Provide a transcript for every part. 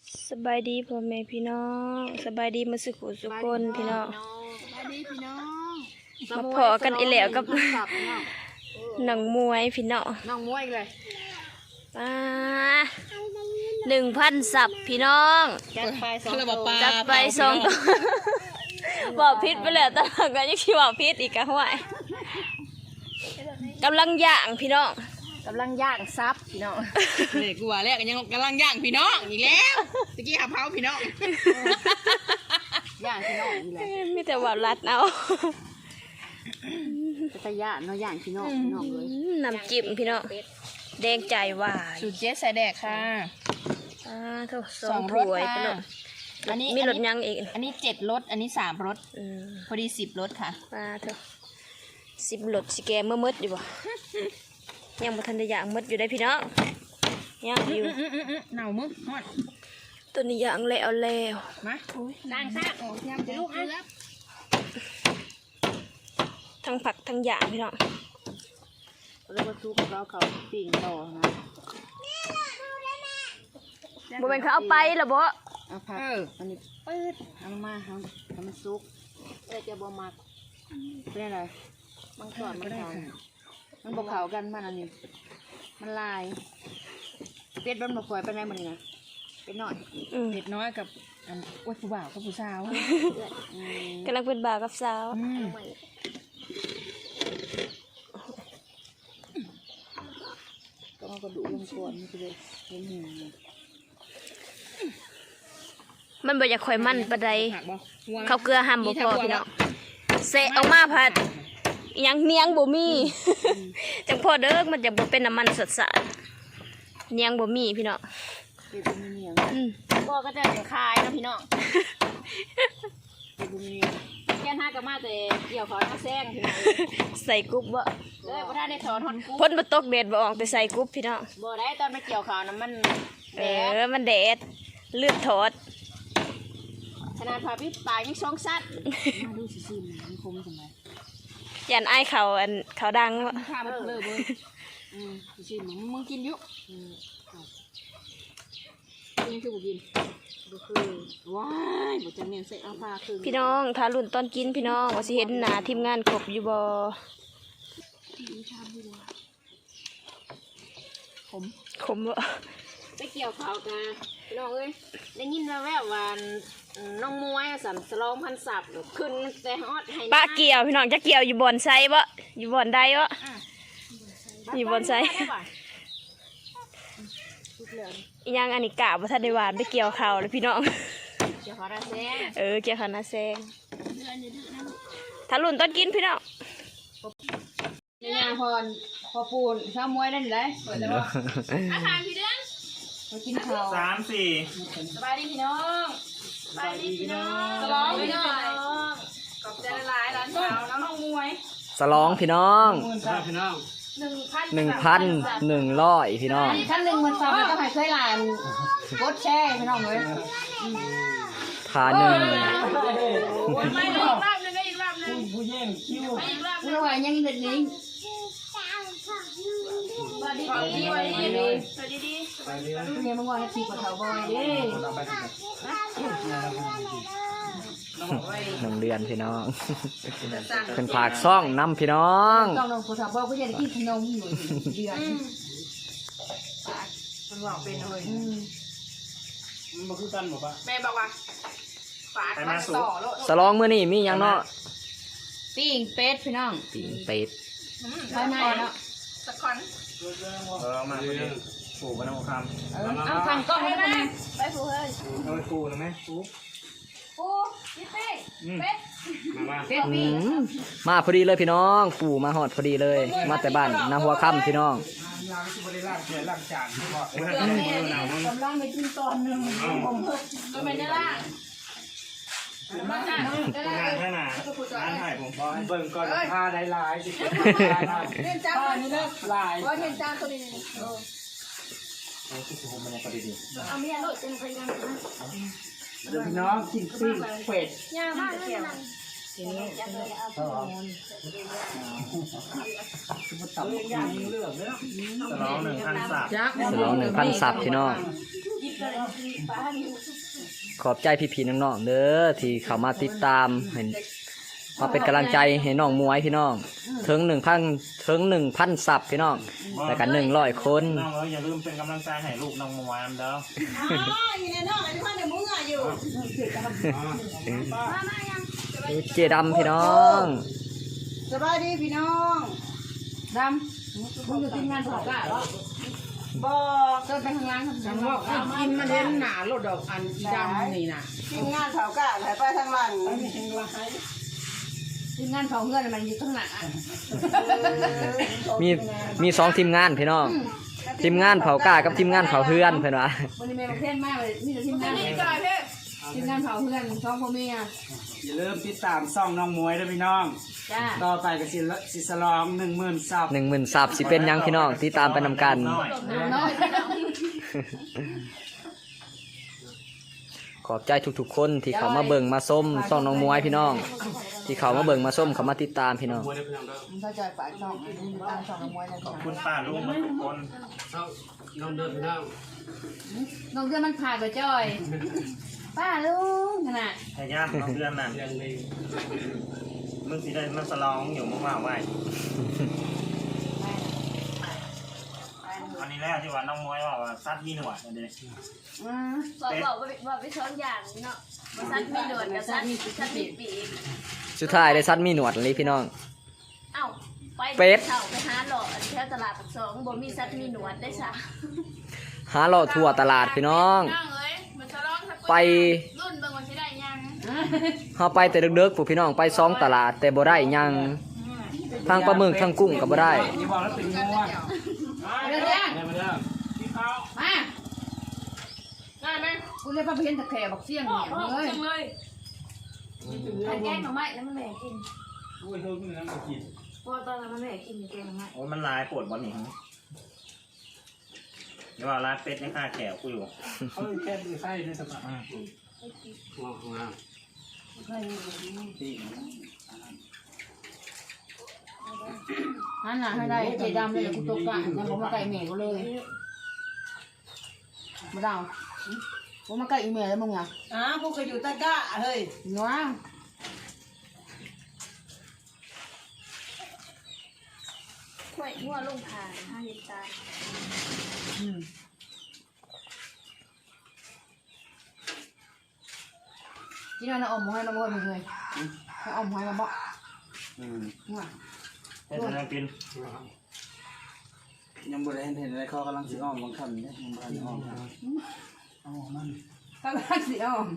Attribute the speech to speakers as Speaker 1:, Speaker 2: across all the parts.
Speaker 1: สบายดีพ่อแม่พี่น้องสบายดีมาสุขสุขคนพี่น้อง
Speaker 2: สบายดีพี่น้อง
Speaker 1: มาพอกันอีแล้วกับหนังมวยพี่น้อง
Speaker 2: น้องมวยเลย
Speaker 1: 1,000 สับพี่น้อง
Speaker 2: จัดไป2 ตัว
Speaker 1: จัดไป2 ตัวบอกพิษไปแล้วแต่ก็ยังคิดว่าพิษอีกกะห่วยกำลังย่างพี่น้อง
Speaker 2: กำลังย่างซับพี่น้อง
Speaker 3: เลยกูว่าแล้วกันยังกำลังย่างพี่น้องอีกแล้วตะกี้หาเผาพี่น้อง
Speaker 2: ย่างพี่น้องนี่แหละ
Speaker 1: มีแต่ว่ารัดเอา
Speaker 2: จะย่างเนาะย่างพี่น้องพี่น้องเลย
Speaker 1: น้ำจิ้มพี่น้องแดงใจว่า
Speaker 3: สูตรเจ๊ใส่แดกค่ะ
Speaker 1: ทุก2 ถ้วยพี่น้อง
Speaker 3: อันนี้
Speaker 1: มีรสยังอีก
Speaker 3: อันนี้7 รสอันนี้3 รสพอดี10 รสค่ะ
Speaker 1: เถอะ10 รสสิแกเมื่อมืดอยู่บ่ยังบ่ทันได้ย่างมืดอยู่ได้พี่น้องย่างอยู่
Speaker 3: หนาวมึงฮอด
Speaker 1: ตัวนี้ย่างแล้ว
Speaker 3: มาล้างซากออกยำลูกอ่ะ
Speaker 1: ทั้งผักทั้งย่างพี่น้อง
Speaker 2: แล้วก็ซุปแล้วเขาปิ้งต่อนะ
Speaker 1: บ่แม่นเขาเอาไปล่ะบ่
Speaker 2: เอาผักอันนี้ปื๊ดเอามาให้มันซุกจะบ่มักเป็นอะไรมันก่อนมันเขามันบกเขากันมันอันนี้มันลายเป็ดมันบกคอยไปไหนมันนี่นะเป็ดหน่อย
Speaker 3: เผ็ดน้อยกับอันอ้วนผู้บ่าวกับผู้สาว
Speaker 1: กำลังเป็นบ่าวกับสาว
Speaker 2: ก็เอากระดูกลงก่อนมันจะได้เห็นหิว
Speaker 1: มันบ่อยากข่อยมันปานใดเขาเกลือห้ามบ่พอพี่น้องเสะออกมาผัดยังเนียงบ่มีจังพอเด้อมันจะบ่เป็นน้ำมันสดสะเนียงบ่มีพี่น้อง
Speaker 2: เป็นเนียง
Speaker 3: บ่ก็จะคายนะพี่น้องแค่5กับมาแต่เกี่ยวขอหน้าแซงพี่น้อง
Speaker 1: ใส่กุ๊บบ่
Speaker 3: เลยบ่ทันได้ถอนฮอนกุ๊บ
Speaker 1: พ้นบ่ตกแดดบ่ออกไปใส่กุ๊บพี่น้อง
Speaker 3: บ่ได้ตอนไปเกี่ยวขาวน้ำมัน
Speaker 1: มันแดดเลือดถอด
Speaker 3: ขนาดพาพี่ปลายยังช่องซัด
Speaker 2: มาดูสิมันคมจังไง
Speaker 1: ยันไอ้เขาดัง
Speaker 3: ข้ามันเลยเว้ยชิมมึงกินยุยังคือบุกิน
Speaker 2: บุคือ
Speaker 3: ว้ายบุจังเนี่ยใส่เอาผ้าคือ
Speaker 1: พี่น้องทารุ่นตอนกินพี่น้องว่าสิเห็นหน้าทีมงานครบอยู่บ่ขมบ่
Speaker 3: ไปเกี่ยวเขากันพี่น้องเอ้ยได้ยินแว่วๆว่าน้องมวยสั่นสลองพันศัพท์ขึ้นแต่ฮอดให้
Speaker 1: ป้าเกี่ยวพี่น้องจะเกี่ยวอยู่บ่อนไซบ่อยู่บ่อนใดบ่อยู่บ่อนไซยังอันนี้กะบ่ทันได้หวานไปเกี่ยวเขาเลยพี่น้อง
Speaker 3: เกี่ยวเขาหน้าแซง
Speaker 1: เกี่ยวเขาหน้าแซงถ้ารุ่นต้นกินพี่น้อง
Speaker 3: นี่ยพอปูนข้าวมวยได้ไหมเปิดแล้วอาหารพี่เด้งมากินข้าว
Speaker 4: 3 4
Speaker 3: สบายดีพี่น้องสบายดีพี่น้องสลองพี่น้องขอบใจหลายร้านเช้าแล้วน้องมวย
Speaker 1: สลองพี่น้อง
Speaker 4: พี่น้อง
Speaker 1: 1,100พี่น้อง
Speaker 3: ท่าน1มันซ้ำแล้วก็ให้เคยหลานกดแช่พี่น้องเลย
Speaker 1: ทาหนึ่ง
Speaker 3: ไม่เลยอีกรอบนึงอีกรอบนึง
Speaker 4: ผู้แย่งคิว
Speaker 3: อีกรอบนึงว่ายังเด็ดนี้สวัสดีเนี่ยมึงว่าให้ทีกว่าเถาบอยดิ
Speaker 1: 1 เดือนพี่น้องเป็นผากซ่องน้ำพี่น้อง
Speaker 2: ต้องลงผู้สาวบอกก็จะได้กินขนมอยู่เดือน
Speaker 3: มันบอกเป็นเลย
Speaker 4: มันมาคือกันหมดปะ
Speaker 3: แม่บอกว่าฝากมาต่อ
Speaker 1: สลองมื้อนี้มีหยังเนาะ
Speaker 2: ปิ้งเป็ดพี่น้อง
Speaker 1: ปิ้งเป็ด
Speaker 2: ภายในเนาะ
Speaker 3: สักคอน
Speaker 4: มาปูกันน้ำคำ
Speaker 2: เอาทางกล้องให้ไหม
Speaker 3: ไปปูเฮ้ย
Speaker 4: เอาไปปูนะไหมปู
Speaker 3: พี่เต้เป็ด
Speaker 1: มาพอดีเลยพี่น้องปู่มาหอดพอดีเลยมาแต่บ้านนาหัวค่ำพี่น้อง
Speaker 4: ล้างจานที่บอก
Speaker 2: กำลังไปกินตอนนึงผม
Speaker 3: ก็ไม่ได้ล่ะ
Speaker 4: งานแค่ไหนร้านถ่ายผมบอกให้เบิ่งก่อนผ้าได้ลายสิ
Speaker 3: เห็นจาน
Speaker 4: นี่เลิกลาย
Speaker 3: ว่าเห็นจานตัวนี้
Speaker 4: ผมมันยังประดิษฐ์
Speaker 3: เอาเมียโหลดเป็นพยาน
Speaker 4: เดี๋ยวพี่น้องกินปิ้งเป็ด
Speaker 3: ยากมากเลย
Speaker 4: ทีนี้สลอง1,000 สับ
Speaker 1: สลอง1,000 สับพี่น้อง
Speaker 5: ขอบใจพี่ๆน้องๆเด้อที่เข้ามาติดตามเห็นมาเป็นกำลังใจให้น้องมวยพี่น้องถึง 1,000 ซับพี่น้องแล้วก็100 คน
Speaker 4: น้องอย่าลืมเป็นกำลังใจให้ลูกน้องมวยเด้อ
Speaker 5: เจดำพี่น้อง
Speaker 2: สบายดีพี่น้องดำมึงอยู่ทีมงานเผากะเหรอบ่เกินไปข้างล่างครับ
Speaker 3: จังว่ากินมาเล่นหนาโลดดอกอันอีดำนี่น่ะ
Speaker 2: ทีมงานเผากะไหลไปทางหลังทีมงานเผาเงื่อนมันอยู่ข้างหน้า
Speaker 5: มี2ทีมงานพี่น้องทีมงานเผากล้ากับทีมงานเผาเพื่อนเพิ่นว่า
Speaker 2: วันนี้แม่ประเทศมากเลยมีแต่ทีมงานทีมงานเผาเพื่อนช่องพ่อแม่
Speaker 6: อย่าลืมติดตามซ่องน้องมวยด้วยพี่น้อง
Speaker 2: จ้า
Speaker 6: ต่อไปก็สิสลอง10,000 ซับ
Speaker 5: 10,000 ซับสิเป็นหยังพี่น้องติดตามไปนำกัน
Speaker 2: น้อย
Speaker 5: ขอบใจทุกๆคนที่เขามาเบิ่งมาส้มซ่องน้องมวยพี่น้อง ที่เขามาเบิ่งมาส้มเขามาติดตามพี่น้อง
Speaker 2: มันเข้าใจฝ่ายช่องตามช่องน้องมวยนะ
Speaker 4: ขอบคุณป้าลุงทุกคน
Speaker 2: น้องเดือนมันผ่านไปจ้อยป้าลุงขนาด
Speaker 4: ให้ญาติน้องเดือนน่ะมึงสิได้มาสลองอยู่มั่วๆไว้อันนี้แรกที่ว่าน้องมวยว่าซัดมีหนวดอันนี้
Speaker 1: บอกไปช้อนอย่างเนาะบ่ซัดมีหนวดกับซัดมีปีก
Speaker 5: สุดท้ายได้ซัดมีหนวดเลยพี่น้อง
Speaker 1: เอ้าไป
Speaker 5: เป็ด
Speaker 1: เช่าไปหาหล่อแถวตลาดปากซองบ่มีซัดมีหนวดได้ซะ
Speaker 5: หาเลาะทั่วตลาดพี่น้อง ไปเฮาไปแต่ดึกๆพวกพี่น้องไป2ตลาดแต่บ่ได้หยังทางปลาหมึกทางกุ้งก็บ่ได้
Speaker 6: นี่บอกแล้วเป็นงัว
Speaker 2: เดี๋ยวเดี๋ยว
Speaker 6: ได้มาเด้อ
Speaker 2: มาได้ไหมกูเรียกป้าเพี้ยนตะแคร่บักเสี่ยงเนี่ยเลย
Speaker 1: อันแกงหน่อไม้แล้วมันแม่กิน
Speaker 6: อุ้ยโทษมึงนะมากิน
Speaker 1: พอตอนนั้นมันแม่กินแกงหน่อไม้
Speaker 4: โอ้ยมันลายปวดบอลนี่เดี๋ยวว่าลายเป็ดยังฆ่าแขวกูอยู่
Speaker 6: เขาแค่ดูไส้ด้วยสมัคร
Speaker 2: นั่นน่ะให้ได้เจดำเลยกูตกกะยังผมมาไก่เมย์กูเลยมาดาวผมมาไก่อีเมย์แล้วมึงอ่ะ
Speaker 3: พวกก็อยู่ตะก้าเฮ้ย
Speaker 2: เนาะ
Speaker 1: ข่อยหัวลงผ่าน5ลิตรตาย
Speaker 2: ที่นั่นเอาอมให้มาบ่อยมึงเลยให้อมให้มาบ่ว่ะ
Speaker 4: ให้ฉันยังกิน
Speaker 6: ยังบ่ได้เห็นอะไรเขากำลังสิอ้อมบางคำเนี่ยยังบ่ทันอ้อมเอามัน
Speaker 2: ก็รักสิอม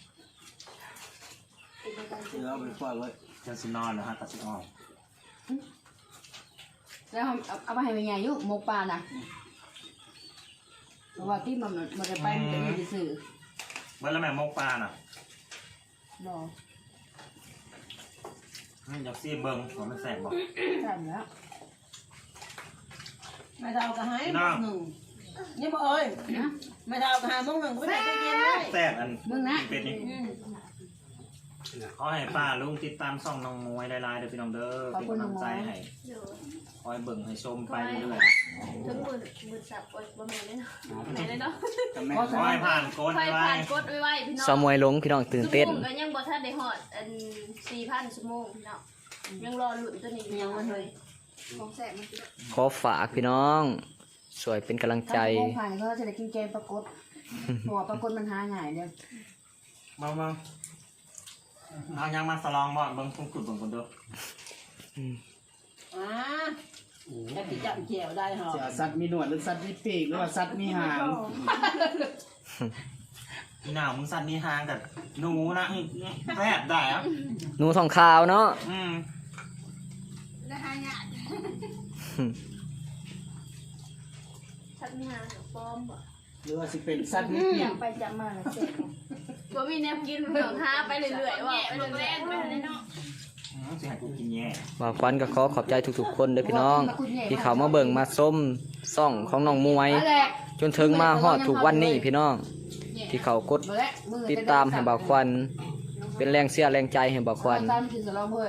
Speaker 6: เดี๋ยวเอาไปปล่อยไว้
Speaker 4: จะสินอนเหรอฮะตัดสินออก
Speaker 2: แล้วเอาไปให้แม่ใหญ่ยุหมกปลาน่ะเพราะว่าที่มันจะไปมันจะมีสื่อ
Speaker 4: เมื่อแล้วแม่มกปลาน่ะ
Speaker 2: รอ
Speaker 4: อยากซีเบิ้งว่ามันแสบบอก
Speaker 2: ใช่แล้ว
Speaker 3: ไม่เท่ากับหายหนึ่งนี่บ่เอ้ยไม่เท่ากับหายมึงหนึ่งไม่ได้ตู้เย็นเลย
Speaker 4: แสบอัน
Speaker 2: มึงนะ
Speaker 4: เป็ดนี่ขอให้ป้าลุงติดตามซ่องน้องมวยได้ลายเด้อพี่น้องเด้อเป็นกำลังใจให้
Speaker 1: เดี๋ยว
Speaker 4: คอยเบิ่งให้ชมไปเรื่อย
Speaker 1: ถึงมือสับโอ๊ยบ่แม่นเลยเนาะแม่นเลยเนาะ
Speaker 6: กับแม่
Speaker 4: ๆขอให้ผ่านโกด
Speaker 1: ไฟ
Speaker 4: ไว้
Speaker 1: ผ่านกดไว้พี่น้อง
Speaker 5: สาวมวยลงพี่น้องตื่นเต้น
Speaker 1: ชั่วโมงก็ยังบ่ทันได้ฮอดอัน 4,000 ชั่วโมงพี่น้องยังรอลุ้นตัวนี้ยังมันเลยของแซ่บมันสิ
Speaker 5: ขอฝากพี่น้องช่วยเป็นกำลังใจ
Speaker 2: ถ้าโมงผ่านก็จะได้กินแกงปลากดหัวปลากดมันหาง่ายเดียว
Speaker 4: มาเอายังมาสลองบ่เบิ่งคุณขุดเบิ่งคนเด้อ
Speaker 3: แต่ที่จับเจียวได้หรอ
Speaker 6: จะเอาสัตว์มีหนวดหรือสัตว์มีปีกหรือว่าสัตว์มีหาง
Speaker 4: พี่หนาวมึงสั่นนี่ห่างกับหนูนะแซ่บได้อะ
Speaker 5: หนูทองขาวเนาะ
Speaker 1: ชักมีหาป้อมบ่
Speaker 6: หรือว่าสิเป็นสัตว์มีปีก
Speaker 1: ไปจับมาแล้วเสร็จบ่มีแนวกินพี่น้องหาไปเรื่อยๆว่าไปเรื่อยๆไปเนาะ
Speaker 4: สิให้กูกินแย่
Speaker 5: บ่าวควันก็ขอขอบใจทุกๆคนเด้อพี่น้อง ที่เขามาเบิ่งมาส้มซ่องของน้องมวย จนถึงมาฮอดทุกวันนี้พี่น้อง ที่เขากดติดตามให้บ่าวควัน เป็นแรงเสียแรงใจให้บ่าวควัน
Speaker 2: ตามกินสลอมเลย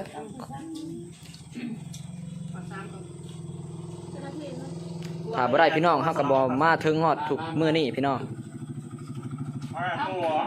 Speaker 5: ถ้าบ่ได้พี่น้องเฮาก็บ่มาถึงฮอดทุกมื้อนี้พี่น้อง
Speaker 4: หัว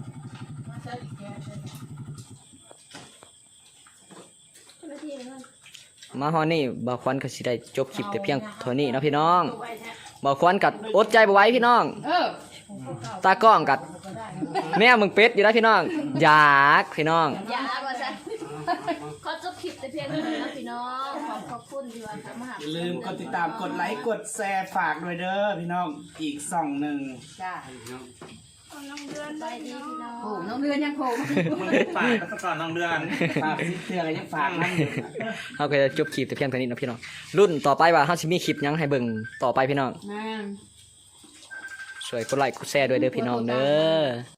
Speaker 5: มาฮอดนี่บ่าวควันก็สิได้จบคลิปแต่เพียงเท่านี้เนาะพี่น้องบ่าวควันกัดอดใจบ่ไหว้พี่น้องตากล้องกัดแม่มึงเป็ดอยู่แล้วพี่น้องอยากพี่น้อง
Speaker 1: อย่าว่าซะขอจบคลิปแต่เพียงเท่านี้นะพี่น้องขอบคุณที่ว่ามาหา
Speaker 6: อย่าลืมกดติดตามกดไลค์กดแชร์ฝากด้วยเด้อพี่น้องอีกส่องหนึ่ง
Speaker 2: จ้า
Speaker 1: ไปดีพี่น้อง
Speaker 2: โอ้น้องเรือนยังโผล่
Speaker 4: มึงฝากก็ก่อนน้องเดือน
Speaker 6: ฝากซิเตือนอะไรยังฝากนั่นอยู่
Speaker 5: เฮาก็จะจบคลิปแต่เพียงเท่านี้เนาะพี่น้องรุ่นต่อไปว่าเฮาสิมีคลิปหยังให้เบิ่งต่อไปพี่น้อง
Speaker 2: แม่
Speaker 5: ช่วยกดไลค์กดแชร์ด้วยเด้อพี่น้องเด้อ